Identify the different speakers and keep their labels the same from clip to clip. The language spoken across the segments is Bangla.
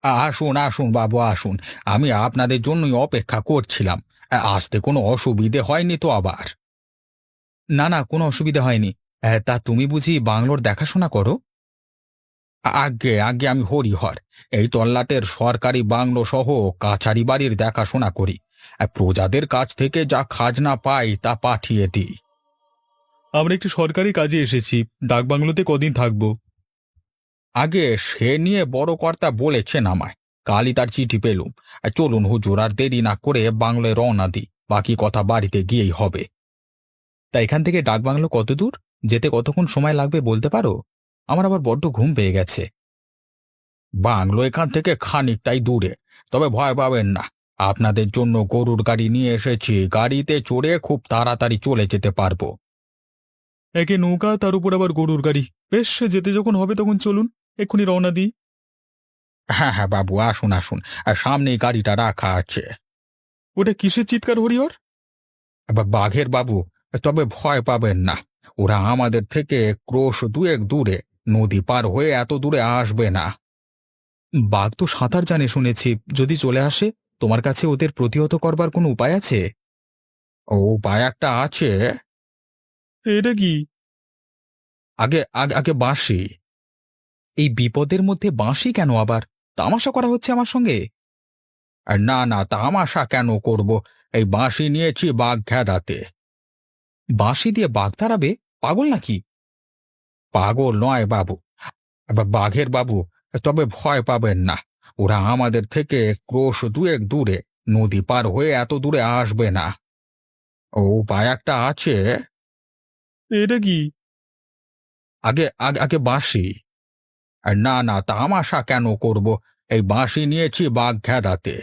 Speaker 1: আসুন আসুন বাবু আসুন। আমি আপনাদের জন্যই অপেক্ষা করছিলাম। আসতে কোনো অসুবিধে হয়নি তো আবার? না না, কোনো অসুবিধা হয়নি। তা তুমি বুঝি বাংলোর দেখাশোনা করো? আজ্ঞে আজ্ঞে, আমি হরিহর এই তল্লাটের সরকারি বাংলো সহ কাছারি বাড়ির দেখাশোনা করি। প্রজাদের কাছ থেকে যা খাজনা পাই তা পাঠিয়ে দিই।
Speaker 2: আমরা একটু সরকারি কাজে এসেছি। ডাকবাংলোতে কদিন থাকবো?
Speaker 1: আগে সে নিয়ে বড় কর্তা বলেছেন আমায়। কালই তার চিঠি পেলুম। চলুন হুজুর, আর দেরি না করে বাংলোয় রওনা দিই। বাকি কথা বাড়িতে গিয়েই হবে। তা এখান থেকে ডাকবাংলো কত দূর? যেতে কতক্ষণ সময় লাগবে বলতে পারো? আমার আবার বড্ড ঘুম পেয়ে গেছে। বাংলো এখান থেকে খানিকটাই দূরে, তবে ভয় পাবেন না। আপনাদের জন্য গরুর গাড়ি নিয়ে এসেছি, গাড়িতে চড়ে খুব তাড়াতাড়ি চলে যেতে পারবো।
Speaker 2: একে নৌকা, তার উপর আবার গরুর গাড়ি। বেশ, যেতে যখন হবে তখন চলুন, এক্ষুনি রওনা দিই।
Speaker 1: হ্যাঁ হ্যাঁ বাবু, আসুন আসুন। আর সামনেই গাড়িটা রাখা আছে।
Speaker 2: ওটা কিসের চিৎকার হরিহর?
Speaker 1: বাঘের বাবু, তবে ভয় পাবেন না। ওরা আমাদের থেকে ক্রোশ দুয়েক দূরে, নদী পার হয়ে এত দূরে আসবে না।
Speaker 2: বাঘ তো সাঁতার জানে শুনেছি। যদি চলে আসে, তোমার কাছে ওদের প্রতিহত করবার কোনো উপায় আছে?
Speaker 1: ও উপায় একটা আছে।
Speaker 2: এটা কি?
Speaker 1: আগে আগে আগে বাঁশি।
Speaker 2: এই বিপদের মধ্যে বাঁশি কেন আবার? তামাশা করা হচ্ছে আমার সঙ্গে?
Speaker 1: আর না না, তামাশা কেন করব? এই বাঁশি নিয়েছি বাঘ খেদাতে।
Speaker 2: বাঁশি দিয়ে বাঘ তাড়াবে? পাগল নাকি?
Speaker 1: পাগল নয় বাবু, বাঘের বাবু, তবে ভয় পাবেন না। ওরা আমাদের থেকে ক্রোশ দুয়েক দূরে, নদী পার হয়ে এত দূরে আসবে না। ও উপায় একটা আছে।
Speaker 2: এটা কি?
Speaker 1: আগে আগে আগে বাঁশি। আর না না, তামাশা কেন করব? এই বাঁশি নিয়েছি বাঘ খেদাতে।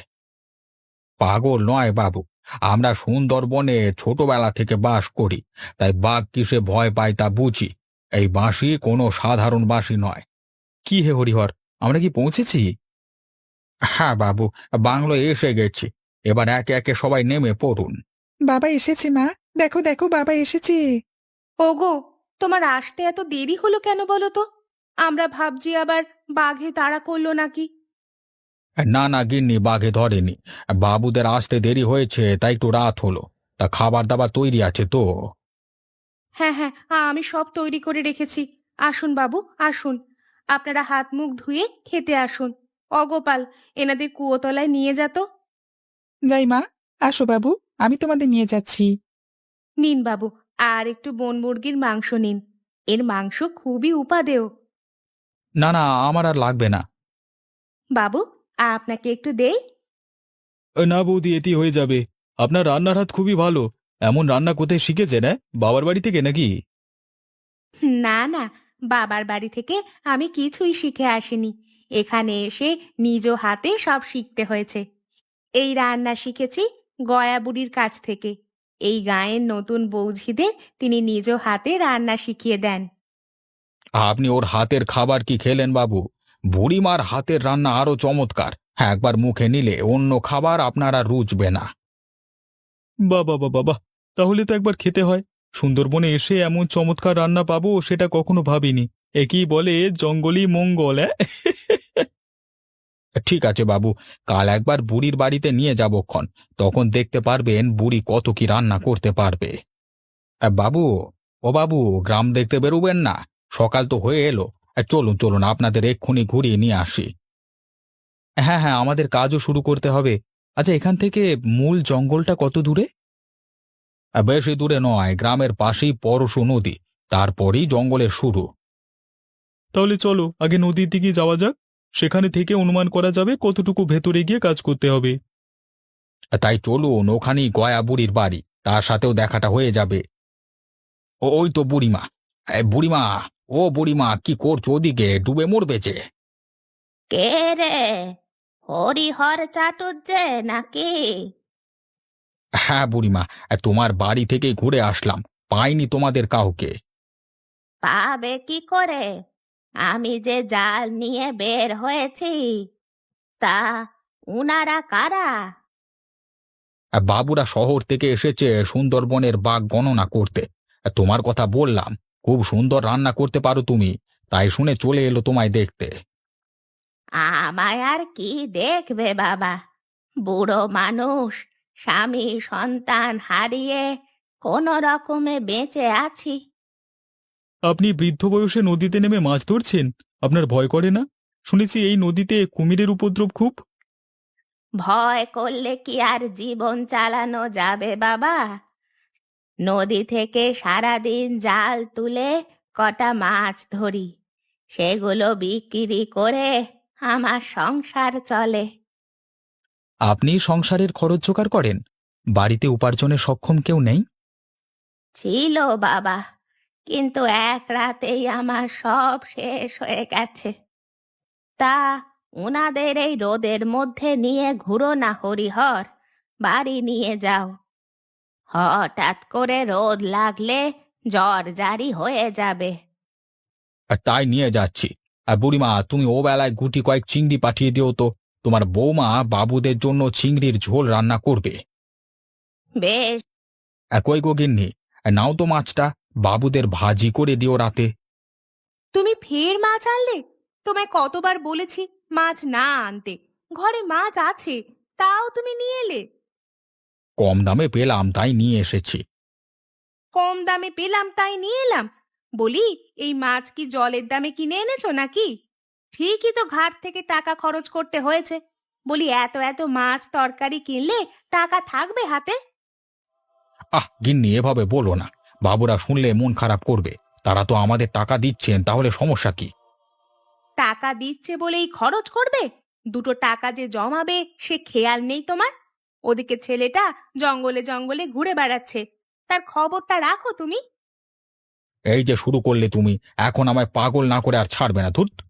Speaker 1: পাগল নয় বাবু, আমরা সুন্দরবনে ছোটবেলা থেকে বাস করি, তাই বাঘ কিসে ভয় পায় তা বুঝি। এই বাঁশি কোনো সাধারণ বাঁশি নয়।
Speaker 2: কি হে হরিহর, আমরা কি পৌঁছেছি?
Speaker 1: হ্যাঁ বাবু, বাংলোয় এসে গেছি। এবার একে একে সবাই নেমে পড়ুন।
Speaker 3: বাবা এসেছে মা। দেখো দেখো, বাবা এসেছে।
Speaker 4: ওগো, তোমার আসতে এত দেরি হলো কেন বলো তো? আমরা ভাবছি আবার বাঘে তাড়া করলো নাকি।
Speaker 1: না না গিন্নি, বাঘে ধরেনি। বাবুদের আসতে দেরি হয়েছে তাই একটু রাত হলো। তা খাবার দাবার তৈরি আছে তো?
Speaker 4: হ্যাঁ হ্যাঁ, আমি সব তৈরি করে রেখেছি। আসুন বাবু, আসুন। আপনারা হাত মুখ ধুয়ে খেতে আসুন। অগোপাল, এনাদের কুয়োতলায় নিয়ে যা তো।
Speaker 3: যাই মা। আসো বাবু, আমি তোমাদের নিয়ে যাচ্ছি।
Speaker 4: নিন বাবু, আর একটু বন মুরগির মাংস নিন। এর মাংস খুবই উপাদেয়।
Speaker 2: না না, আমার আর লাগবে না।
Speaker 4: বাবু, আপনাকে একটু দেই।
Speaker 2: না বৌদি, এটি হয়ে যাবে। আপনার রান্নার হাত খুবই ভালো। এমন রান্না কোথায় শিখেছেন? বাবার বাড়ি থেকে নাকি?
Speaker 4: না না, বাবার বাড়ি থেকে আমি কিছুই শিখে আসিনি। এখানে এসে নিজ হাতে সব শিখতে হয়েছে। এই রান্না শিখেছি গয়া বুড়ির কাছ থেকে। এই গাঁয়ের নতুন বৌঝিদের তিনি নিজ হাতে রান্না শিখিয়ে দেন।
Speaker 1: আপনি ওর হাতের খাবার কি খেলেন বাবু? বুড়িমার হাতের রান্না আরো চমৎকার। হ্যাঁ, একবার মুখে নিলে অন্য খাবার আপনার আর রুচবে না।
Speaker 2: বাবা বাবা বাবা, তাহলে তো একবার খেতে হয়। সুন্দরবনে এসে এমন চমৎকার রান্না পাবো সেটা কখনো ভাবিনি। একেই বলে জঙ্গলি মঙ্গল।
Speaker 1: ঠিক আছে বাবু, কাল একবার বুড়ির বাড়িতে নিয়ে যাবক্ষণ। তখন দেখতে পারবেন বুড়ি কত কি রান্না করতে পারবে। বাবু, ও বাবু, গ্রাম দেখতে বেরোবেন না? সকাল তো হয়ে এলো। চলুন চলুন, আপনাদের এক্ষুনি ঘুরিয়ে নিয়ে আসি।
Speaker 2: হ্যাঁ হ্যাঁ, আমাদের কাজও শুরু করতে হবে। আচ্ছা, এখান থেকে মূল জঙ্গলটা কত দূরে?
Speaker 1: বেশি দূরে নয়, গ্রামের পাশেই পরশু নদী, তারপরেই জঙ্গলের শুরু।
Speaker 2: তাহলে চলো আগে নদীর দিকে যাওয়া যাক। সেখানে থেকে অনুমান করা যাবে কতটুকু ভেতরে গিয়ে কাজ করতে হবে।
Speaker 1: তাই চলুন, ওখানেই গয়া বুড়ির বাড়ি, তার সাথেও দেখাটা হয়ে যাবে। ওই তো বুড়িমা। বুড়িমা, ও বুড়িমা, কি করছো ওদিকে? ডুবে মরবে যে।
Speaker 4: কে রে? হরিহর চাটুর্যে নাকি?
Speaker 1: হ্যাঁ বুড়িমা, তোমার বাড়ি থেকে ঘুরে আসলাম, পাইনি তোমাদের কাউকে।
Speaker 4: পাবে কি করে? আমি যে জাল নিয়ে বের হয়েছি। তা উনারা কারা?
Speaker 1: বাবুরা শহর থেকে এসেছে সুন্দরবনের বাঘ গণনা করতে। তোমার কথা বললাম, খুব সুন্দর রান্না করতে পারো তুমি, তাই শুনে চলে এলো তোমায় দেখতে।
Speaker 4: আমায় আর কি দেখবে বাবা, বুড়ো মানুষ, স্বামী সন্তান হারিয়ে কোনো রকমে বেঁচে আছি।
Speaker 2: আপনি বৃদ্ধ বয়সে নদীতে নেমে মাছ ধরছেন? আপনার ভয় করে না? শুনেছি এই নদীতে কুমিরের উপদ্রব খুব।
Speaker 4: ভয় করলে কি আর জীবন চালানো যাবে বাবা? নদী থেকে সারাদিন জাল তুলে কটা মাছ ধরি, সেগুলো বিক্রি করে আমার সংসার চলে।
Speaker 1: আপনি সংসারের খরচ জোগাড় করেন? বাড়িতে উপার্জনে সক্ষম কেউ নেই?
Speaker 4: ছিল বাবা, কিন্তু এক রাতেই আমার সব শেষ হয়ে গেছে। তা উনাদের এই রোদের মধ্যে নিয়ে ঘুরো না হরিহর, বাড়ি নিয়ে যাও। হঠাৎ করে রোদ লাগলে জ্বর জারি হয়ে যাবে।
Speaker 1: আর তাই নিয়ে যাচ্ছি। আর বুড়িমা, তুমি ও বেলায় গুটি কয়েক চিংড়ি পাঠিয়ে দিও তো। তোমার বৌমা বাবুদের জন্য চিংড়ির ঝোল রান্না করবে।
Speaker 4: বেশ।
Speaker 1: কই গো গিন্নি, নাও তো মাছটা, বাবুদের ভাজি করে দিও রাতে।
Speaker 4: তুমি ফের মাছ আনলে? তোমায় কতবার বলেছি মাছ না আনতে, ঘরে মাছ আছে, তাও তুমি নিয়ে এলে।
Speaker 1: কম দামে পেলাম তাই নিয়ে এসেছি।
Speaker 4: কম দামে পেলাম তাই নিয়ে এলাম? বলি, এই মাছ কি জলের দামে কিনে এনেছো নাকি? ঠিকই তো ঘাট থেকে টাকা খরচ করতে হয়েছে। বলি, এত এত মাছ তরকারি কিনলে টাকা থাকবে হাতে?
Speaker 1: গিন্নি, এভাবে বলো না। বাবুরা শুনলে মন খারাপ করবে। তারা তো আমাদের টাকা দিচ্ছেন, তাহলে সমস্যা কি?
Speaker 4: টাকা দিচ্ছে বলেই খরচ করবে? দুটো টাকা যে জমাবে সে খেয়াল নেই তোমার? ওদিকে ছেলেটা জঙ্গলে জঙ্গলে ঘুরে বেড়াচ্ছে, তার খবরটা রাখো তুমি।
Speaker 1: এই যে শুরু করলে তুমি, এখন আমায় পাগল না করে আর ছাড়বে না, ধুত।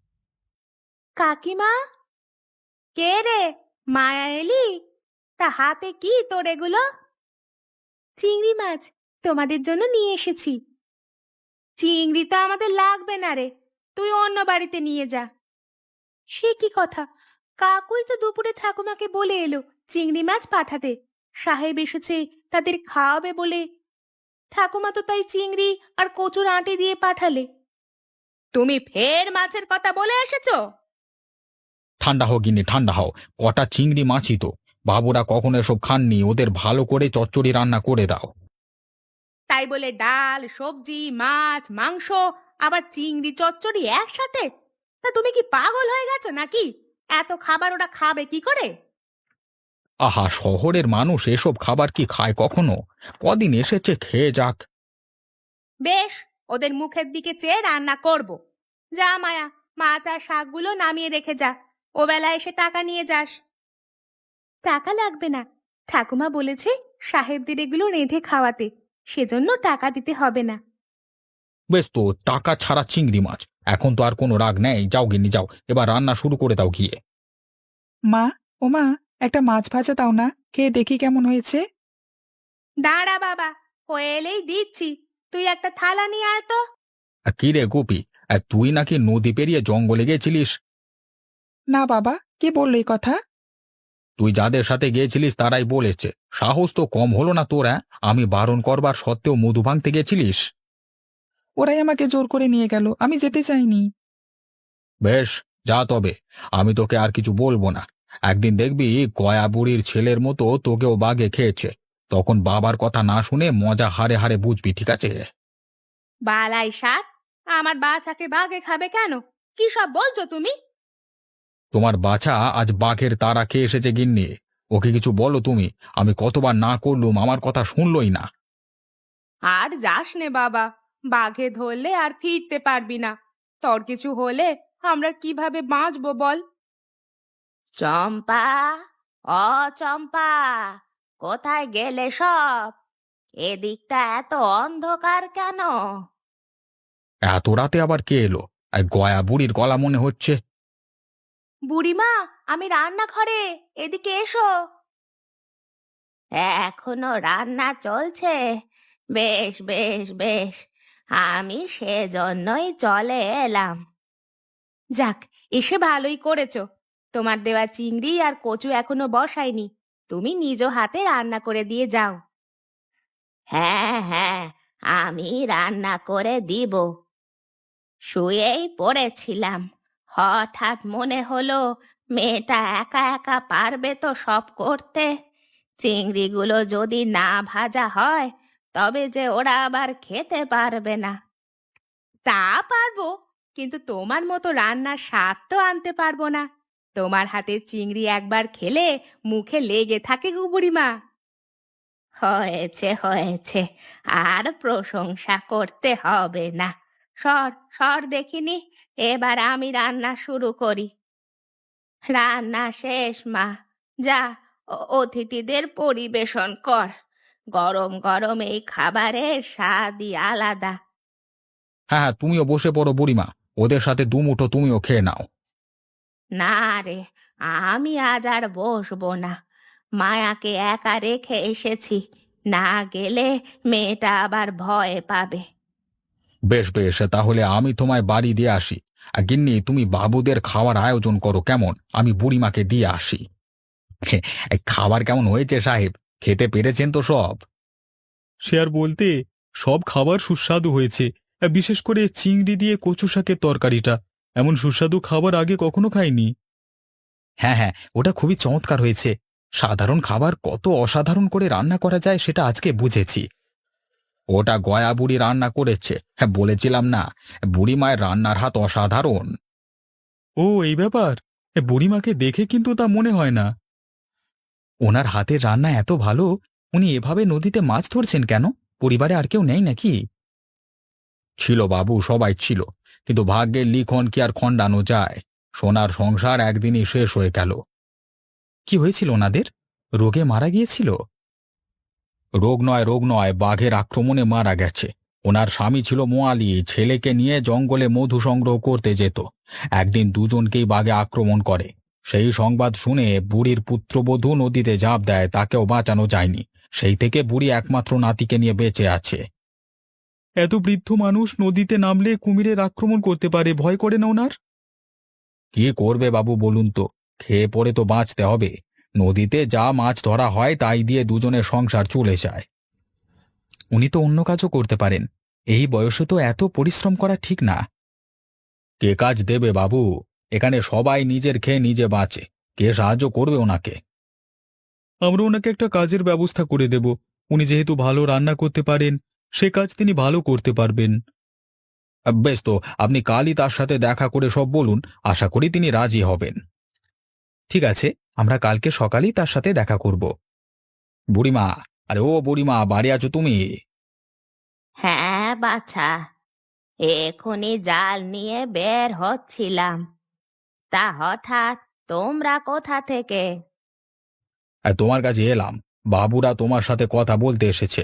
Speaker 4: কাকিমা? কে রে? মায়া এলি? তা হাতে কি তোর এগুলো? চিংড়ি মাছ তোমাদের জন্য নিয়ে এসেছি। চিংড়ি তো আমাদের লাগবে না রে, তুই অন্য বাড়িতে নিয়ে যা। সে কি কথা? কাকুই তো দুপুরে ঠাকুমাকে বলে এলো চিংড়ি মাছ পাঠাতে। সাহেব এসেছে তাদের খাওয়াবে বলে। ঠাকুমা তো তাই চিংড়ি আর কচুর আঁটি দিয়ে পাঠালে। তুমি ফের মাছের কথা বলে এসেছো?
Speaker 1: ঠান্ডা হও গিন্নি, ঠান্ডা হও। কটা চিংড়ি মাছই তো। বাবুরা কখনো এসব খাননি, ওদের ভালো করে চচ্চড়ি রান্না করে দাও।
Speaker 4: তাই বলে ডাল সবজি মাছ মাংস আবার চিংড়ি চচ্চড়ি একসাথে? তা তুমি কি পাগল হয়ে গেছো নাকি? এত খাবার ওরা খাবে কি করে?
Speaker 1: আহা, শহরের মানুষ এসব খাবার কি খায় কখনো? কদিন এসেছে, খেয়ে যাক।
Speaker 4: বেশ, ওদের মুখের দিকে চেয়ে রান্না করব। যা মায়া, মাছ আর শাকগুলো নামিয়ে রেখে যা, ও বেলা এসে টাকা নিয়ে যাস। টাকা লাগবে না, ঠাকুমা বলেছে সাহেবদের এগুলো রেঁধে খাওয়াতে, সেজন্য টাকা দিতে হবে না।
Speaker 1: বেশ তো, টাকা ছাড়া চিংড়ি মাছ। এখন তো আর কোনো রাগ নেই। যাও গিন্নি, যাও, এবার রান্না শুরু করে দাও গিয়ে।
Speaker 3: মা, ও মা, একটা মাছ ভাজা দাও না, খেয়ে দেখি কেমন হয়েছে।
Speaker 4: দাঁড়া বাবা, হয়ে এলেই দিচ্ছি। তুই একটা থালা নিয়ে আয় তো।
Speaker 1: কি রে গোপী, তুই নাকি নদী পেরিয়ে জঙ্গলে গেছিলিস?
Speaker 3: না বাবা, কে বললো এই কথা?
Speaker 1: তুই যাদের সাথে গিয়েছিলিস তারাই বলেছে। সাহস তো কম হলো না তোর, আমি বারণ করবার সত্ত্বেও মধু ভাঙতে গেছিলিস?
Speaker 3: ওরাই আমাকে জোর করে নিয়ে গেল, আমি যেতে চাইনি।
Speaker 1: বেশ, যা তবে। আমি তোকে আর কিছু বলবো না। একদিন দেখবি গয়া বুড়ির ছেলের মতো তোকেও বাঘে খেয়েছে। তখন বাবার কথা না শুনে মজা হারে হারে বুঝবি, ঠিক আছে?
Speaker 4: বালাই ষাট, আমার বাছাকে বাঘে খাবে কেন? কি সব বলছো তুমি?
Speaker 1: তোমার বাছা আজ বাঘের তাড়া খেয়ে এসেছে গিন্নি। ওকে কিছু বলো তুমি। আমি কতবার না করলুম, আমার কথা শুনলই না।
Speaker 4: আর যাস নে বাবা, বাঘে ধরলে আর ফিরতে পারবি না। তোর কিছু হলে আমরা কিভাবে বাঁচবো বল? চম্পা, অ চম্পা, কোথায় গেলে সব? এদিকটা এত অন্ধকার কেন?
Speaker 1: এত রাতে আবার কে এলো? গয়া বুড়ির গলা মনে হচ্ছে।
Speaker 4: বুড়িমা, আমি রান্নাঘরে, এদিকে এসো। এখনো রান্না চলছে? বেশ বেশ বেশ, আমি সেজন্যই চলে এলাম। যাক, এসে ভালোই করেছো। তোমার দেওয়া চিংড়ি আর কচু এখনো বসাইনি, তুমি নিজ হাতে রান্না করে দিয়ে যাও। হ্যাঁ হ্যাঁ, আমি রান্না করে দিব। শুয়েই পড়েছিলাম, হঠাৎ মনে হলো মেয়েটা একা একা পারবে তো সব করতে। চিংড়িগুলো যদি না ভাজা হয় তবে যে ওরা আবার খেতে পারবে না। তা পারবো, কিন্তু তোমার মতো রান্নার স্বাদ তো আনতে পারবো না। তোমার হাতের চিংড়ি একবার খেলে মুখে লেগে থাকে গো বুড়িমা। হয়েছে হয়েছে, আর প্রশংসা করতে হবে না। সর সর দেখিনি, এবার আমি রান্না শুরু করি। রান্না শেষ মা, যা অতিথিদের পরিবেশন কর। গরম গরম এই খাবারের স্বাদই আলাদা।
Speaker 1: হ্যাঁ হ্যাঁ, তুমিও বসে পড়ো বুড়িমা, ওদের সাথে দুমুঠো তুমিও খেয়ে নাও।
Speaker 4: না রে, আমি আজ আর বসবো না। মায়াকে একা রেখে এসেছি, না গেলে মেয়েটা আবার ভয় পাবে।
Speaker 1: বেশ বেশ, তাহলে আমি তোমায় বাড়ি দিয়ে আসি। আর গিন্নি, তুমি বাবুদের খাওয়ার আয়োজন করো কেমন, আমি বুড়িমাকে দিয়ে আসি। এই খাবার কেমন হয়েছে সাহেব, খেতে পেরেছেন তো সব?
Speaker 2: সে আর বলতে, সব খাবার সুস্বাদু হয়েছে। বিশেষ করে চিংড়ি দিয়ে কচু শাকের তরকারিটা, এমন সুস্বাদু খাবার আগে কখনো খাইনি।
Speaker 1: হ্যাঁ হ্যাঁ, ওটা খুবই চমৎকার হয়েছে। সাধারণ খাবার কত অসাধারণ করে রান্না করা যায় সেটা আজকে বুঝেছি। ওটা গয়া বুড়ি রান্না করেছে, হ্যাঁ বলেছিলাম না, বুড়ি মায়ের রান্নার হাত অসাধারণ।
Speaker 2: ও, এই ব্যাপার। বুড়িমাকে দেখে কিন্তু তা মনে হয় না।
Speaker 1: ওনার হাতের রান্না এত ভালো, উনি এভাবে নদীতে মাছ ধরছেন কেন? পরিবারে আর কেউ নেই নাকি? ছিল বাবু, সবাই ছিল, কিন্তু ভাগ্যের লিখন কি আর খণ্ডানো যায়? সোনার সংসার একদিনই শেষ হয়ে গেল। কি হয়েছিল ওনাদের? রোগে মারা গিয়েছিল? রোগ নয়, বাঘের আক্রমণে মারা গেছে। ওনার স্বামী ছিল মোয়ালি, ছেলেকে নিয়ে জঙ্গলে মধু সংগ্রহ করতে যেত। একদিন দুজনকেই বাঘে আক্রমণ করে। সেই সংবাদ শুনে বুড়ির পুত্রবধূ নদীতে ঝাঁপ দেয়, তাকেও বাঁচানো যায়নি। সেই থেকে বুড়ি একমাত্র নাতিকে নিয়ে বেঁচে আছে।
Speaker 2: এত বৃদ্ধ মানুষ নদীতে নামলে কুমিরের আক্রমণ করতে পারে, ভয় করে না ওনার?
Speaker 1: কি করবে বাবু বলুন তো, খেয়ে পড়ে তো বাঁচতে হবে। নদীতে যা মাছ ধরা হয় তাই দিয়ে দুজনের সংসার চলে যায়। উনি তো অন্য কাজও করতে পারেন, এই বয়সে তো এত পরিশ্রম করা ঠিক না। কে কাজ দেবে বাবু? এখানে সবাই নিজের খেয়ে নিজে বাঁচে, কে সাহায্য করবে ওনাকে?
Speaker 2: আমরা ওনাকে একটা কাজের ব্যবস্থা করে দেব। উনি যেহেতু ভালো রান্না করতে পারেন, সে কাজ তিনি ভালো করতে পারবেন।
Speaker 1: বেশ, তো আপনি কালই তার সাথে দেখা করে সব বলুন, আশা করি তিনি রাজি হবেন। ঠিক আছে, আমরা কালকে সকালেই তার সাথে দেখা করব। বুড়িমা, আরে ও বুড়িমা, বাড়ি আছো তুমি?
Speaker 4: হ্যাঁ বাছা, এখনই জাল নিয়ে বের হচ্ছিলাম। তা হঠাৎ তোমরা কোথা থেকে?
Speaker 1: তোমার কাছে এলাম, বাবুরা তোমার সাথে কথা বলতে এসেছে।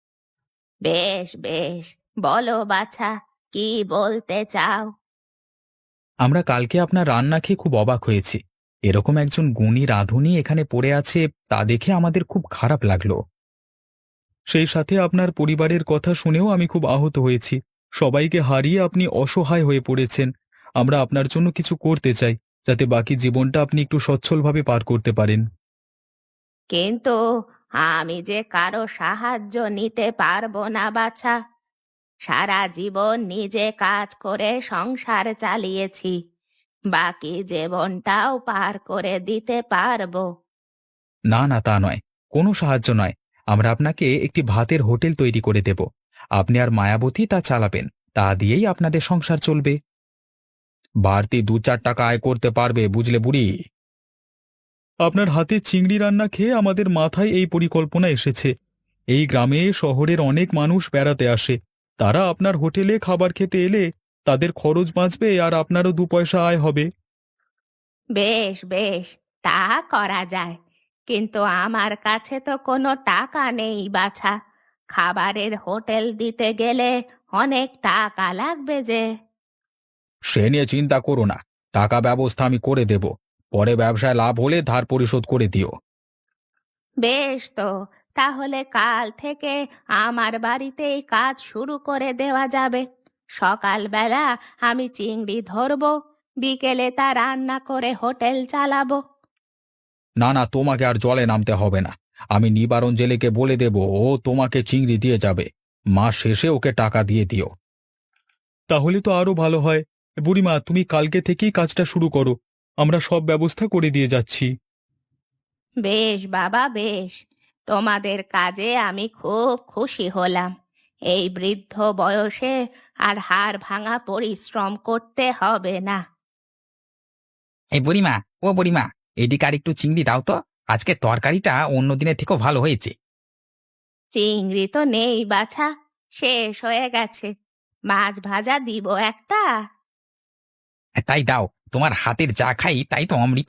Speaker 4: বেশ বেশ, বলো বাছা, কি বলতে চাও?
Speaker 1: আমরা কালকে আপনার রান্না খেয়ে খুব অবাক হয়েছি। এরকম একজন গুণী রাঁধুনি এখানে পড়ে আছে, তা দেখে আমাদের খুব খারাপ লাগলো।
Speaker 2: সেই সাথে আপনার পরিবারের কথা শুনেও আমি খুব আহত হয়েছি। সবাইকে হারিয়ে আপনি অসহায় হয়ে পড়েছেন। আমরা আপনার জন্য কিছু করতে চাই, যাতে বাকি জীবনটা আপনি একটু সচ্ছলভাবে পার করতে পারেন।
Speaker 4: কিন্তু আমি যে কারো সাহায্য নিতে পারবো না বাছা। সারা জীবন নিজে কাজ করে সংসার চালিয়েছি, বাকি জীবনটাও পার করে দিতে পারবো।
Speaker 1: না না, তা নয়, কোনো সাহায্য নয়। আমরা আপনাকে একটি ভাতের হোটেল তৈরি করে দেব। আপনি আর মায়াবতী তা চালাবেন, তা দিয়েই আপনাদের সংসার চলবে। বাড়তি 2-4 টাকা আয় করতে পারবে, বুঝলে বুড়ি?
Speaker 2: আপনার হাতে চিংড়ি রান্না খেয়ে আমাদের মাথায় এই পরিকল্পনা এসেছে। এই গ্রামে শহরের অনেক মানুষ বেড়াতে আসে, তারা আপনার হোটেলে খাবার খেতে এলে তাদের খরচ বাঁচবে আর আপনারও 2 পয়সা আয় হবে।
Speaker 4: বেশ বেশ, তা করা যায়, কিন্তু আমার কাছে তো কোনো টাকা নেই বাছা। খাবারের হোটেল দিতে গেলে অনেক টাকা লাগবে যে।
Speaker 1: সে নিয়ে চিন্তা করো না, টাকা ব্যবস্থা আমি করে দেব। পরে ব্যবসায় লাভ হলে ধার পরিশোধ করে দিও।
Speaker 4: বেশ তো, তাহলে কাল থেকে আমার বাড়িতেই কাজ শুরু করে দেওয়া যাবে। সকালবেলা আমি চিংড়ি ধরবো, বিকেলে তা রান্না করে হোটেল চালাবো।
Speaker 1: না না, তোমাকে আর জলে নামতে হবে না। আমি নিবারণ জেলেকে বলে দেব, ও তোমাকে চিংড়ি দিয়ে যাবে। মাস শেষে ওকে টাকা দিয়ে দিও।
Speaker 2: তাহলে তো আরো ভালো হয়। বুড়িমা, তুমি কালকে থেকেই কাজটা শুরু করো। আমরা সব ব্যবস্থা করে দিয়ে যাচ্ছি।
Speaker 4: বেশ বাবা বেশ, তোমাদের কাজে আমি খুব খুশি হলাম। এই বৃদ্ধ বয়সে আর হাড় ভাঙা পরিশ্রম করতে হবে না।
Speaker 1: এই বুড়িমা, ও বুড়িমা, এদিকে আর একটু চিংড়ি দাও তো। আজকে তরকারিটা অন্য দিনের থেকেও ভালো হয়েছে।
Speaker 4: চিংড়ি তো নেই বাছা, শেষ হয়ে গেছে। মাছ ভাজা দিব একটা।
Speaker 1: তাই দাও, তোমার হাতের যা খাই তাই তো অমৃত।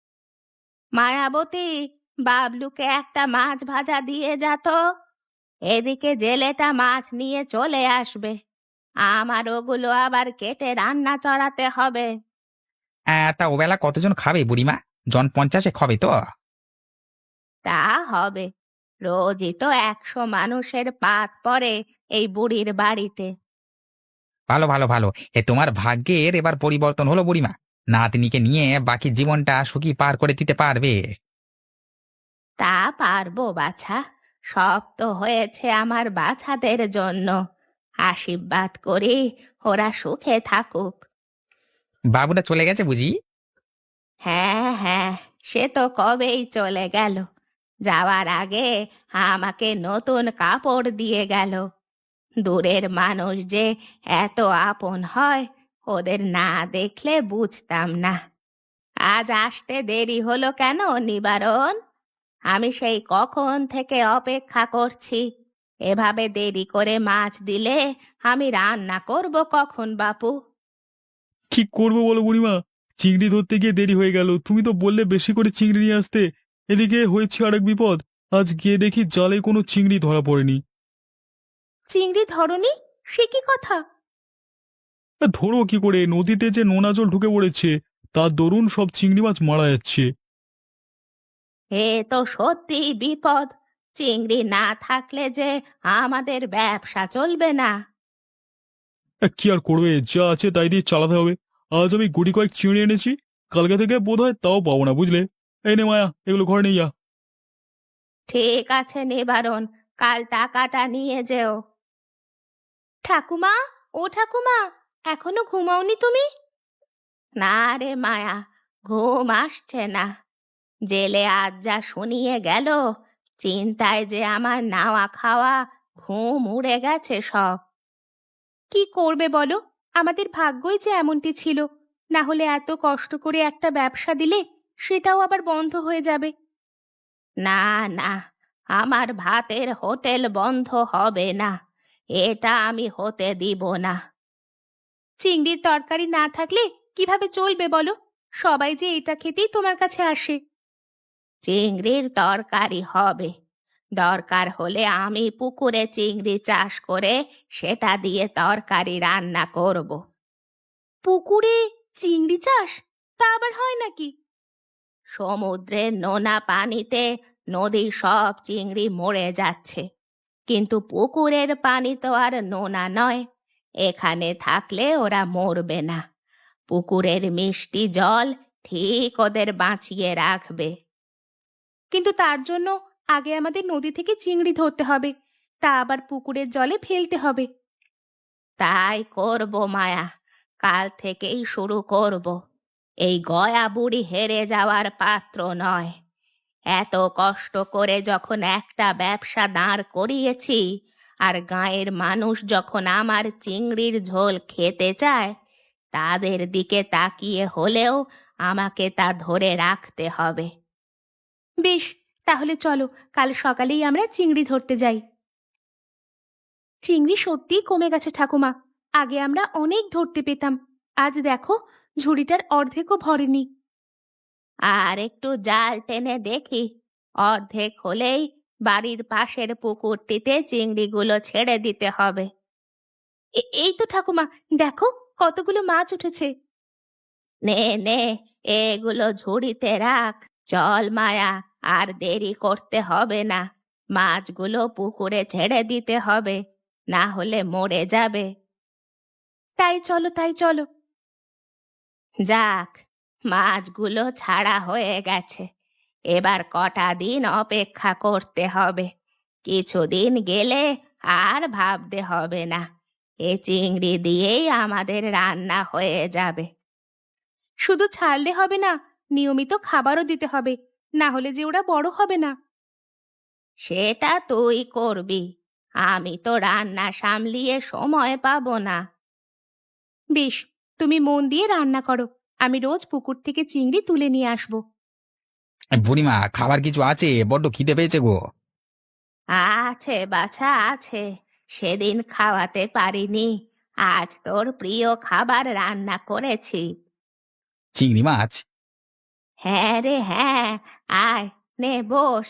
Speaker 4: মায়াবতী, বাবলুকে একটা মাছ ভাজা দিয়ে যা তো। এদিকে জেলেটা মাছ নিয়ে চলে আসবে। আমার ওগুলো আবার কেটে রান্না চড়াতে হবে।
Speaker 1: তা ওবেলা কতজন খাবে বুড়িমা? জন 50 খাবে তো?
Speaker 4: তা হবে, রোজই তো 100 মানুষের পাত পড়ে এই বুড়ির বাড়িতে।
Speaker 1: ভালো ভালো ভালো। তোমার ভাগ্যের এবার পরিবর্তন হলো বুড়িমা। নাতনিকে নিয়ে বাকি জীবনটা সুখী পার করে দিতে পারবে।
Speaker 4: তা পারবো বাছা, সব তো হয়েছে আমার বাছাদের জন্য। আশীর্বাদ করি ওরা সুখে থাকুক।
Speaker 1: বাবুটা চলে গেছে বুঝি?
Speaker 4: হ্যাঁ হ্যাঁ, সে তো কবেই চলে গেল। যাওয়ার আগে আমাকে নতুন কাপড় দিয়ে গেল। দূরের মানুষ যে এত আপন হয়, ওদের না দেখলে বুঝতাম না। আজ আসতে দেরি হলো কেন নিবারণ? আমি সেই কখন থেকে অপেক্ষা করছি। এভাবে দেরি করে মাছ দিলে আমি রান্না করব কখন বাপু?
Speaker 2: কি করবো বলো বুড়িমা? চিংড়ি ধরতে গিয়ে দেরি হয়ে গেল। তুমি তো বললে বেশি করে চিংড়ি নিয়ে আসতে। এদিকে হয়েছে আরেক বিপদ। আজ গিয়ে দেখি জালে কোনো চিংড়ি ধরা পড়েনি।
Speaker 4: চিংড়ি ধরনি? সে কি কথা?
Speaker 2: ধরো কি করে? নদীতে যে নোনা জল ঢুকে পড়েছে, তার দরুন সব চিংড়ি মাছ মারা যাচ্ছে।
Speaker 4: এ তো সত্যি বিপদ। চিংড়ি না থাকলে যে আমাদের ব্যবসা চলবে না।
Speaker 2: কি আর করবে, যা আছে তাই দিয়ে চালাতে হবে। আজ আমি গুটি কয়েক চিংড়ি এনেছি, কালকে থেকে বোধ হয় তাও পাবো না, বুঝলে? এই নে মায়া, এগুলো ঘরে নিয়ে যা।
Speaker 4: ঠিক আছে নিবারণ, কাল টাকাটা নিয়ে যেও। ঠাকুমা, ও ঠাকুমা, এখনো ঘুমাওনি তুমি? না রে মায়া, ঘুম আসছে না। জেলে আজ যা শুনিয়ে গেল, চিন্তায় যে আমার নাওয়া খাওয়া ঘুম উড়ে গেছে সব। কি করবে বলো, আমাদের ভাগ্যই যে এমনটি ছিল। না হলে এত কষ্ট করে একটা ব্যবসা দিলে সেটাও আবার বন্ধ হয়ে যাবে। না না, আমার ভাতের হোটেল বন্ধ হবে না, এটা আমি হতে দিব না। চিংড়ির তরকারি না থাকলে কিভাবে চলবে বলো? সবাই যে এটা খেতেই তোমার কাছে আসে। চিংড়ির তরকারি হবে, দরকার হলে আমি পুকুরে চিংড়ি চাষ করে সেটা দিয়ে তরকারি রান্না করব। পুকুরে চিংড়ি চাষ? তা আবার হয় নাকি? সমুদ্রের নোনা পানিতে নদীর সব চিংড়ি মরে যাচ্ছে, কিন্তু পুকুরের পানি তো আর নোনা নয়। এখানে থাকলে ওরা মরবে না। পুকুরের মিষ্টি জল ঠিক ওদের বাঁচিয়ে রাখবে। কিন্তু তার জন্য আগে আমাদের নদী থেকে চিংড়ি ধরতে হবে, তা আবার পুকুরের জলে ফেলতে হবে। তাই করব মায়া, কাল থেকেই শুরু করব। এই গয়া বুড়ি হেরে যাওয়ার পাত্র নয়। এত কষ্ট করে যখন একটা ব্যবসা দাঁড় করিয়েছি, আর গাঁয়ের মানুষ যখন আমার চিংড়ির ঝোল খেতে চায়, তাদের দিকে তাকিয়ে হলেও আমাকে তা ধরে রাখতে হবে। বেশ, তাহলে চলো কাল সকালেই আমরা চিংড়ি ধরতে যাই। চিংড়ি সত্যিই কমে গেছে ঠাকুমা। আগে আমরা অনেক ধরতে পেতাম, আজ দেখো ঝুড়িটার অর্ধেকও ভরেনি। আর একটু জাল টেনে দেখি, অর্ধেক হলেই বাড়ির পাশের পুকুরটিতে চিংড়িগুলো ছেড়ে দিতে হবে। এই তো ঠাকুমা, দেখো কতগুলো মাছ উঠেছে। নে নে, এগুলো ঝুড়িতে রাখ। চল মায়া, আর দেরি করতে হবে না। মাছগুলো পুকুরে ছেড়ে দিতে হবে, না হলে মরে যাবে। তাই চলো তাই চলো। যাক, মাছগুলো ছাড়া হয়ে গেছে। এবার কটা দিন অপেক্ষা করতে হবে। কিছুদিন গেলে আর ভাবতে হবে না। এ চিংড়ি দিয়েই আমাদের রান্না হয়ে যাবে। শুধু ছাড়লে হবে না, নিয়মিত খাবারও দিতে হবে, না হলে যে ওরা বড় হবে না। সেটা তুই করবি, আমি তো রান্না সামলিয়ে সময় পাবো না। বেশ, তুমি মন দিয়ে রান্না করো, আমি রোজ পুকুর থেকে চিংড়ি তুলে নিয়ে আসবো।
Speaker 1: বুড়িমা, খাবার কিছু আছে, বড্ড খিদে পেয়েছে গো।
Speaker 4: আছে বাছা আছে, সেদিন খাওয়াতে পারিনি, আজ তোর প্রিয় খাবার রান্না করেছি।
Speaker 1: চিংড়ি মাছ?
Speaker 4: হ্যাঁ রে হ্যাঁ, আয়, নে বস।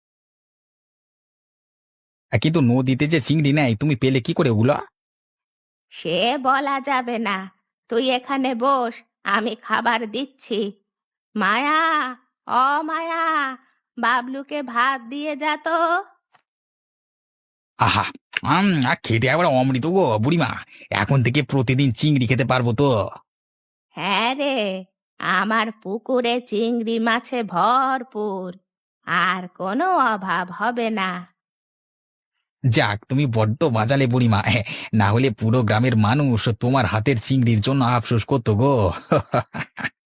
Speaker 1: কিন্তু নদীতে যে চিংড়ি নেই, তুমি পেলে কি করে ওগুলো?
Speaker 4: সে বলা যাবে না, তুই এখানে বস, আমি খাবার দিচ্ছি। মায়া, ও মায়া, বাবলুকে ভাত দিয়ে যা তো।
Speaker 1: আহা! খেতে একবার অমৃত গো বুড়িমা। এখন থেকে প্রতিদিন চিংড়ি খেতে পারবো তো?
Speaker 4: হ্যাঁ রে, আমার পুকুরে চিংড়ি মাছে ভরপুর, আর কোনো অভাব হবে না।
Speaker 1: যাক, তুমি বড্ড বাজালে বুড়িমা। না হলে পুরো গ্রামের মানুষ তোমার হাতের চিংড়ির জন্য আফসোস করতো গো।